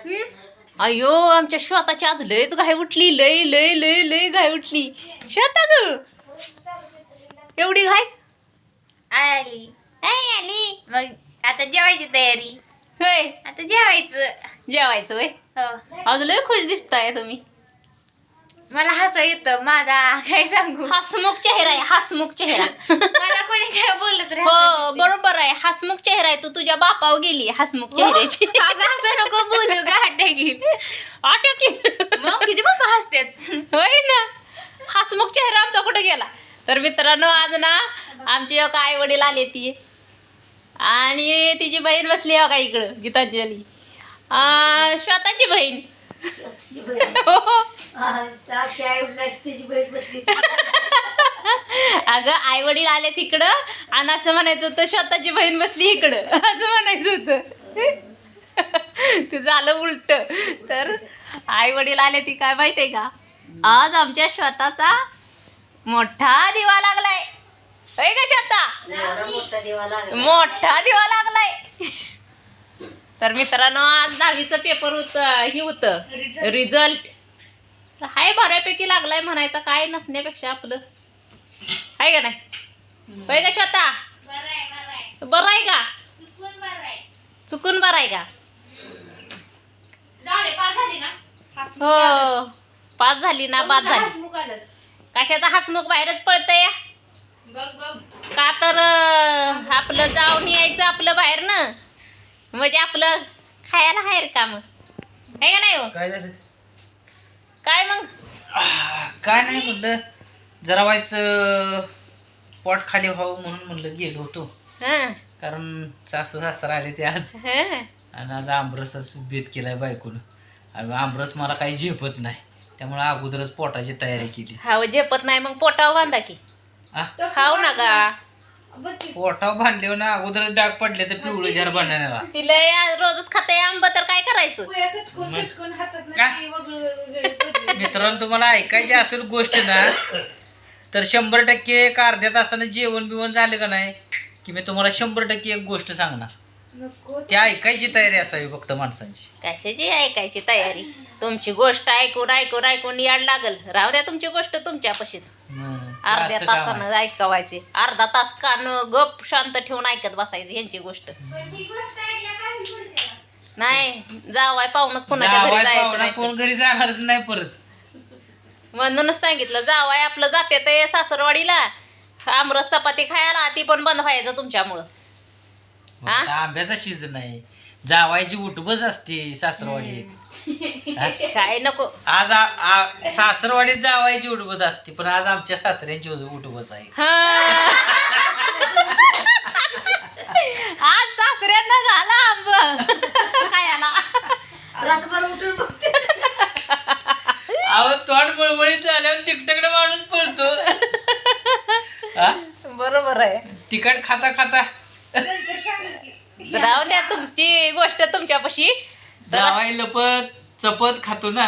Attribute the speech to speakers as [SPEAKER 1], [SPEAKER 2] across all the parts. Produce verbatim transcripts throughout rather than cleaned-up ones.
[SPEAKER 1] अयो आमच्या श्वेताची आज लयच घाई उठली, लय लय लय लय घाई उठली. श्वेता ग एवढी घाई
[SPEAKER 2] आली आली. मग आता जेवायची तयारी.
[SPEAKER 1] होय,
[SPEAKER 2] आता जेवायचं.
[SPEAKER 1] जेवायचं वय.
[SPEAKER 2] हो,
[SPEAKER 1] आज लय खुश दिसताय तुम्ही.
[SPEAKER 2] मला हसू येतं. माझा काय सांगू,
[SPEAKER 1] हसमुख चेहरा आहे, हसमुख चेहरा.
[SPEAKER 2] मला कोणी काय बोललं तर
[SPEAKER 1] हो बरोबर आहे, हसमुख चेहरा आहे. तू तुझ्या बापावर गेली हसमुख चेहऱ्याची.
[SPEAKER 2] असं नको बोलू गाठ घेईल.
[SPEAKER 1] आठव की
[SPEAKER 2] मग किती बाबा हसतात.
[SPEAKER 1] होय ना, हसमुख चेहरा आमचा कुठे गेला. तर मित्रांनो आज ना आमची एक आई वडील आले ती आणि तिची बहीण बसली हो का इकडं, गीतांजली श्वेताची बहीण. अगं आई वडील आले तिकडं आणि असं म्हणायचं होतं स्वतःची बहीण बसली इकडं, असं म्हणायचं होतं. ते झालं उलट. तर आई वडील आले ती काय माहिती आहे का, आज आमच्या स्वतःचा मोठा दिवा लागलाय. होय का श्वेता, मोठा दिवा लागलाय. तर मित्रांनो आज दहावीचं पेपर होत हे होतं रिझल्ट. हाय बऱ्यापैकी लागलाय म्हणायचं, काय नसण्यापेक्षा आपलं आहे का नाही. होय का श्वेता, बरं आहे का, चुकून बरं आहे का. हो पास झाली ना, बाद झाली. कशाचा हसमुख बाहेरच पडतंय का, तर आपलं जाऊन यायचं आपलं बाहेर ना, म्हणजे आपलं खायला बाहेर का मग आहे का नाही. हो
[SPEAKER 3] काय झालं,
[SPEAKER 1] काय मग
[SPEAKER 3] काय नाही म्हणलं, जरा व्हायचं पोट खाली व्हावं म्हणून म्हणलं गेलो होतो.
[SPEAKER 1] हं,
[SPEAKER 3] कारण सासू सासरा आले ते आज,
[SPEAKER 1] हं.
[SPEAKER 3] आणि आज आमरसाच बेत केलाय बायकोनं. आणि आमरस मला काही झेपत नाही, त्यामुळे अगोदरच पोटाची तयारी केली.
[SPEAKER 1] हा झेपत नाही मग पोटावर बांधा की,
[SPEAKER 3] आ
[SPEAKER 1] खाऊ नका.
[SPEAKER 3] पोटावर बांधले ना, अगोदर डाग पडले तर पिवळं जार बांधण्याला.
[SPEAKER 1] तिला या- रोजच खाते आंब तर काय करायचं.
[SPEAKER 3] काय मित्रांनो, तुम्हाला ऐकायची असेल गोष्ट ना, तर शंभर टक्के एक अर्ध्या तासानं जेवण बिवण झालं का नाही की मी तुम्हाला शंभर टक्के एक गोष्ट सांगणार. ती ऐकायची तयारी असावी फक्त माणसांची.
[SPEAKER 1] कशाची ऐकायची तयारी, तुमची गोष्ट ऐकून ऐकून ऐकून याड लागल. राहू द्या तुमची गोष्ट तुमच्यापाशीच.
[SPEAKER 3] हं, ते
[SPEAKER 1] अर्ध्या
[SPEAKER 3] असं काम आहे.
[SPEAKER 1] तासानं ऐकवायची, अर्धा तास कान गप शांत ठेवून ऐकत बसायची यांची गोष्ट. नाही जावाय पाहूनच कोणाच्या घरी
[SPEAKER 3] जावाय
[SPEAKER 1] जायचं
[SPEAKER 3] पाहुणा
[SPEAKER 1] नाही.
[SPEAKER 3] कोण घरी जाणारच नाही परत.
[SPEAKER 1] म्हणूनच सांगितलं, जावाय आपलं जाते ते सासरवाडीला आमरस चपाती खायला, ती पण बंद व्हायचं तुमच्यामुळं. हा?
[SPEAKER 3] आता आंब्याचा सीझन आहे, जावायची उठबस असते सासरवाडीत. हा?
[SPEAKER 1] काय नको.
[SPEAKER 3] आज आ- आ- सासरवाडीत जावायची उठबस असते, पण आज आमच्या सासऱ्यांची उठबस आहे.
[SPEAKER 1] हा. आज सासऱ्यांना झाला आंब खायला.
[SPEAKER 3] अहो तोंड मळमळीत झाल्यावर तिकटकडे माणूस पळतो. हा?
[SPEAKER 1] बरोबर आहे.
[SPEAKER 3] तिखट खाता खाता
[SPEAKER 1] राहू द्या तुमची गोष्ट तुमच्यापाशी.
[SPEAKER 3] जावाय लपत चपत खातो ना.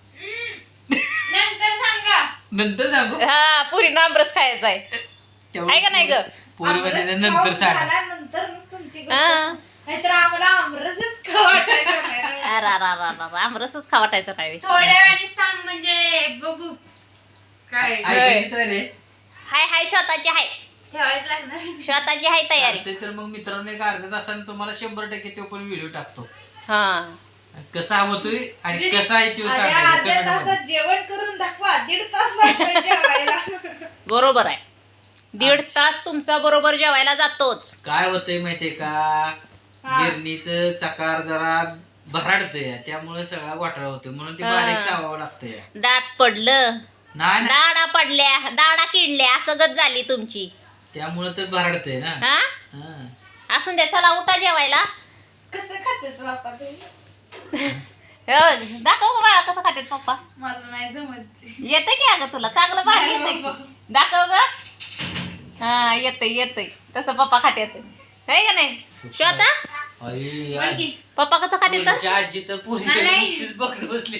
[SPEAKER 2] नंतर सांगा.
[SPEAKER 3] नंतर सांगू
[SPEAKER 1] हा पुरी आंबरस खायचा आहे, आहे का नाही ग.
[SPEAKER 3] पोरी मध्ये नंतर सांगा.
[SPEAKER 1] हा.
[SPEAKER 2] आम्हाला आमरसच खावाटायचं.
[SPEAKER 1] अरे, अरे, अरे, अरे, आमरसच खा वाटायचं नाही.
[SPEAKER 2] थोड्या वेळाने सांग म्हणजे बघू काय
[SPEAKER 3] ऐकायची तयारी आहे?
[SPEAKER 1] हाय हाय स्वतःची हाय,
[SPEAKER 2] ठेवायचं लागणार.
[SPEAKER 1] स्वतःची हाय तयारी.
[SPEAKER 3] चालतंय तर मग मित्रांनो एक अर्ध्या तासाने तुम्हाला शंभर टक्के तो पण व्हिडिओ टाकतो.
[SPEAKER 1] हा
[SPEAKER 3] कसा होतोय आणि कसा आहे तो सांगायचं comment मध्ये.
[SPEAKER 2] जेवण करून दाखवा. दीड तास लागतो जेवायला.
[SPEAKER 1] बरोबर आहे, दीड तास तुमचा बरोबर जेवायला जातोच.
[SPEAKER 3] काय होतंय माहितीये का, गिरणीचं चकार जरा भराडतंय, त्यामुळे सगळा घोटाळा होतोय, म्हणून ते
[SPEAKER 1] हा.
[SPEAKER 3] बारीक चावावं लागतंय.
[SPEAKER 1] दात पडलं,
[SPEAKER 3] नाही ना,
[SPEAKER 1] दाडा पडल्या, दाडा किडल्या, असं गत झाली तुमची.
[SPEAKER 3] त्यामुळे तर भराडतंय ना.
[SPEAKER 1] हा
[SPEAKER 3] हा.
[SPEAKER 1] असून द्या, चला उठा जेवायला.
[SPEAKER 2] कसं खातेस बाप्पा तू?
[SPEAKER 1] हो, दाखव गं बाळा कसं खातात पप्पा.
[SPEAKER 2] मला नाही जमत.
[SPEAKER 1] येतं की अगं तुला चांगलं भारी येतंय की. दाखव ग. हा येतंय येतंय तसं पप्पा खात्यात, आहे का नाही श्वेता.
[SPEAKER 3] आई,
[SPEAKER 2] बोल की.
[SPEAKER 1] पप्पा कसं खाते तर.
[SPEAKER 3] पोरीची आजी तर पोरीच्या
[SPEAKER 2] नाही.
[SPEAKER 3] नुसतीच बघत बसली.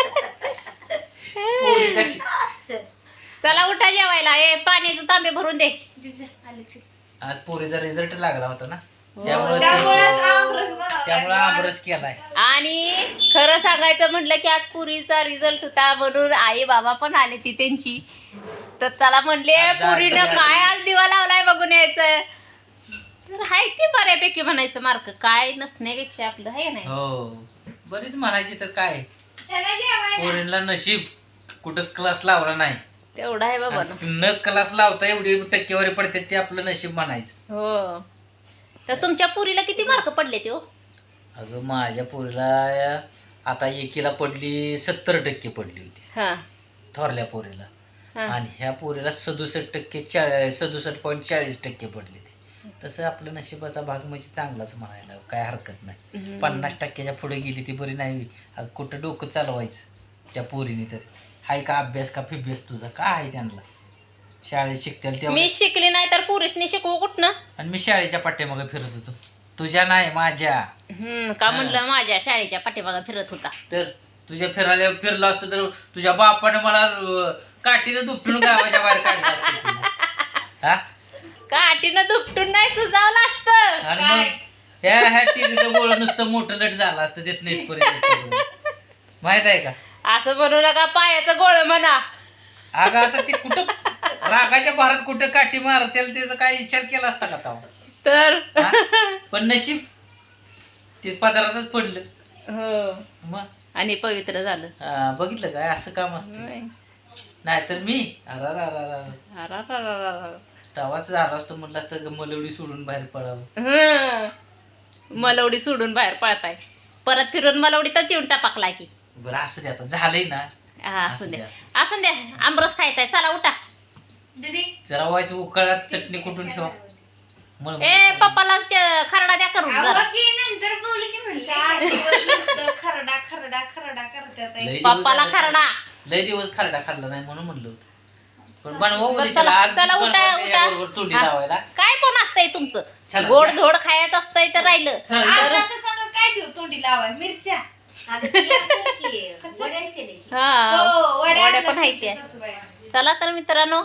[SPEAKER 3] पोरी कशी-
[SPEAKER 1] चला उठा जेवायला. ए पाण्याचे तांबे भरून दे.
[SPEAKER 2] आलेच.
[SPEAKER 3] आज पोरीचा रिझल्ट लागला होता ना. त्यामुळे
[SPEAKER 2] त्यामुळेच आमरस बनवलाय.
[SPEAKER 3] त्यामुळे आमरस केलाय.
[SPEAKER 1] आणि खरं सांगायचं म्हटलं की आज पुरीचा रिझल्ट होता म्हणून आई बाबा पण आले ती त्यांची. तर चला म्हणले
[SPEAKER 3] आज
[SPEAKER 1] पुरीनं
[SPEAKER 3] आज-
[SPEAKER 1] काय आज दिवा लावलाय बघून यायचं. तर हाय ते बऱ्यापैकी म्हणायचं मार्क काय नसण्यापेक्षा आपलं आहे नाही.
[SPEAKER 3] हो बरीच म्हणायची तर काय
[SPEAKER 2] चला जेवायला.
[SPEAKER 3] पोरींला नशीब कुठं क्लास लावला नाही.
[SPEAKER 1] तेवढं आहे बाबा ना.
[SPEAKER 3] न क्लास लावता एवढी टक्केवारी पडते ते आपलं नशीब म्हणायचं.
[SPEAKER 1] हो. तर तुमच्या पुरीला किती मार्क पडले ते हो?
[SPEAKER 3] अगं माझ्या पोरीला आता एकीला पडली सत्तर टक्के पडली होती
[SPEAKER 1] हा
[SPEAKER 3] थोरल्या पोरीला.
[SPEAKER 1] हा.
[SPEAKER 3] आणि ह्या पोरीला सदुसष्ट टक्के चा सदुसष्ट पॉईंट चाळीस टक्के पडले ते. तसं आपलं नशिबाचा भाग म्हणजे चांगलाच म्हणायला काय हरकत नाही. पन्नास टक्क्याच्या पुढे गेली ती बरी नाही. अगं कुठं डोकं चालवायचं त्या पोरीने तरी. हाय का अभ्यास का फिभ्यास तुझा काय आहे त्यांना शाळेत शिकतील तेव्हा.
[SPEAKER 1] मी शिकली नाही तर पुरीसनी शिकवू कुठनं.
[SPEAKER 3] आणि मी शाळेच्या पाठीमागे फिरत होतो तुझ्या नाही माझ्या.
[SPEAKER 1] हम्म का म्हणलं माझ्या शाळेच्या पाठीमागं फिरत होता.
[SPEAKER 3] तर तुझ्या फिरायला फिरलो असतो तर तुझ्या बापानं मला अं, काठीनं दुपटून गावाच्या बाहेर काढलं असतं तुला. हा
[SPEAKER 1] काठीनं दुपटून नाही सुजावलं असतं.
[SPEAKER 3] आणि मग ह्या ह्या टीव्हीचं गोळ नुसतं मोठं लट झालं असतं देत नाही माहित आहे का.
[SPEAKER 1] असं म्हणू नका पायाचं गोळ म्हणा.
[SPEAKER 3] अगं आता ते कुठं रागाच्या भारत कुठं काठी मार त्याला त्याचा काय विचार केला असता का तेव्हा.
[SPEAKER 1] तर
[SPEAKER 3] हा? पण नशीब ते पदार्थच पडलं.
[SPEAKER 1] हो
[SPEAKER 3] मग
[SPEAKER 1] आणि पवित्र झालं.
[SPEAKER 3] हा, बघितलं काय असं काम असतं. नाहीतर मी अरा रा रा रा
[SPEAKER 1] अरारारारा.
[SPEAKER 3] तवाच झाला असतो म्हटलं असतं मलवडी सोडून बाहेर पडावं.
[SPEAKER 1] हं. मलवडी सोडून बाहेर पळताय परत फिरून मलवडीतच येऊन टापाकला की.
[SPEAKER 3] बरं असू दे आता झालंय ना.
[SPEAKER 1] हा असून द्या असून द्या आमरस खायचाय चला उठा.
[SPEAKER 2] दीदी
[SPEAKER 3] जरा व्हायचं उकळात चटणी कुठून ठेवा. मग
[SPEAKER 1] ए पप्पाला च- खरडा द्या करून
[SPEAKER 2] अहो
[SPEAKER 1] जरा.
[SPEAKER 2] की नंतर बोलू की म्हणलं आठ दिवस नुसतं खरडा खरडा खरडा करतात आहे.
[SPEAKER 3] लय दिवस
[SPEAKER 1] पप्पाला
[SPEAKER 3] झाले-
[SPEAKER 1] खरडा.
[SPEAKER 3] लय दिवस खरडा खाल्ला नाही म्हणून म्हणलं होतं. पण बनवा
[SPEAKER 1] बरं,
[SPEAKER 3] उद्याच्याला
[SPEAKER 1] चला
[SPEAKER 3] आज
[SPEAKER 1] चला
[SPEAKER 3] बनवा
[SPEAKER 1] उठा
[SPEAKER 3] त्याच्याबरोबर
[SPEAKER 1] उठा
[SPEAKER 3] तोंडी
[SPEAKER 1] हा.
[SPEAKER 3] लावायला.
[SPEAKER 1] काय पण असतंय तुमचं
[SPEAKER 3] चला,
[SPEAKER 1] गोड
[SPEAKER 3] या.
[SPEAKER 1] धोड खायचं असतंय तर राहिलं
[SPEAKER 3] चला.
[SPEAKER 1] तर
[SPEAKER 2] आता असं सांगा काय देऊ तोंडी लावाय मिरच्या.
[SPEAKER 1] हा
[SPEAKER 2] हो, वड्या
[SPEAKER 1] वड्या पण
[SPEAKER 2] आणल्या
[SPEAKER 1] आहेत त्या.
[SPEAKER 2] सासूबाई.
[SPEAKER 1] चला तर मित्रांनो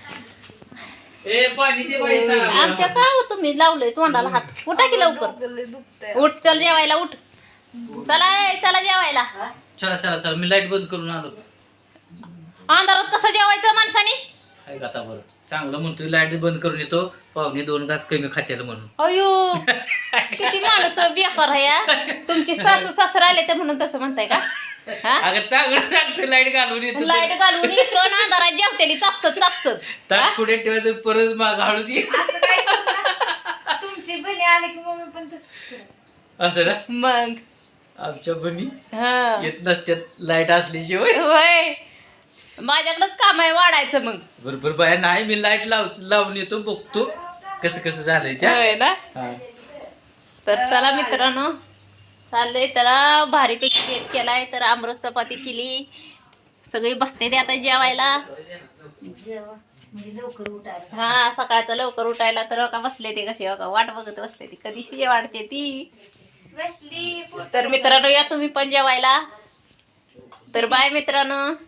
[SPEAKER 3] ए पाणी दे बाई इथं.
[SPEAKER 1] आमच्या काय हो तुम्ही लावलंय तोंडाला हात उठा की लवकर उठ चल जेवायला उठ चला ए, चला जेवायला.
[SPEAKER 3] चला चला चला मी लाईट बंद करून आलो.
[SPEAKER 1] अंधारात कसं जेवायचं माणसाने.
[SPEAKER 3] काय आता बरं चांगलं म्हणतोय लाईट बंद करून येतो पाहुणे दोन घास कमी खात्याला म्हणून.
[SPEAKER 1] अयो किती माणसं बेकार आहे या. तुमची सासू सासरा आले तर म्हणून तसं म्हणताय का. हा
[SPEAKER 3] अगं चांगलं सांगतोय लाईट घालून येतो.
[SPEAKER 1] लाईट घालून येतो आणि अंधारात जेवतेली चापसत चापसत. हा?
[SPEAKER 3] ताट पुढे ठेवायचं परत माग हळूच ये.
[SPEAKER 2] असं काय करू नका. तुमची बहिणी आली की मम्मी पण तसंच करते.
[SPEAKER 3] असं ना
[SPEAKER 1] मग
[SPEAKER 3] आमच्या बनी
[SPEAKER 1] हा
[SPEAKER 3] येत नसत्यात लाईट असल्याशिवाय.
[SPEAKER 1] होय माझ्याकडंच काम आहे वाढायचं मग.
[SPEAKER 3] बरोबर बाया नाही मी लाईट लाव लावून येतो बघतो कसं कसं झालंय त्या.
[SPEAKER 1] होय ना.
[SPEAKER 3] हा.
[SPEAKER 1] तर चला मित्रांनो चाललंय त्याला भारीपैकी केक केलाय तर आमरस चपाती केली सगळी बसते ते आता जेवायला. हा सकाळचं लवकर उठायला तर का बसले ते कसे का वाट बघत बसले ती कधीशी वाटते ती.
[SPEAKER 2] बसली
[SPEAKER 1] तर मित्रांनो या तुम्ही पण जेवायला. तर बाय मित्रांनो.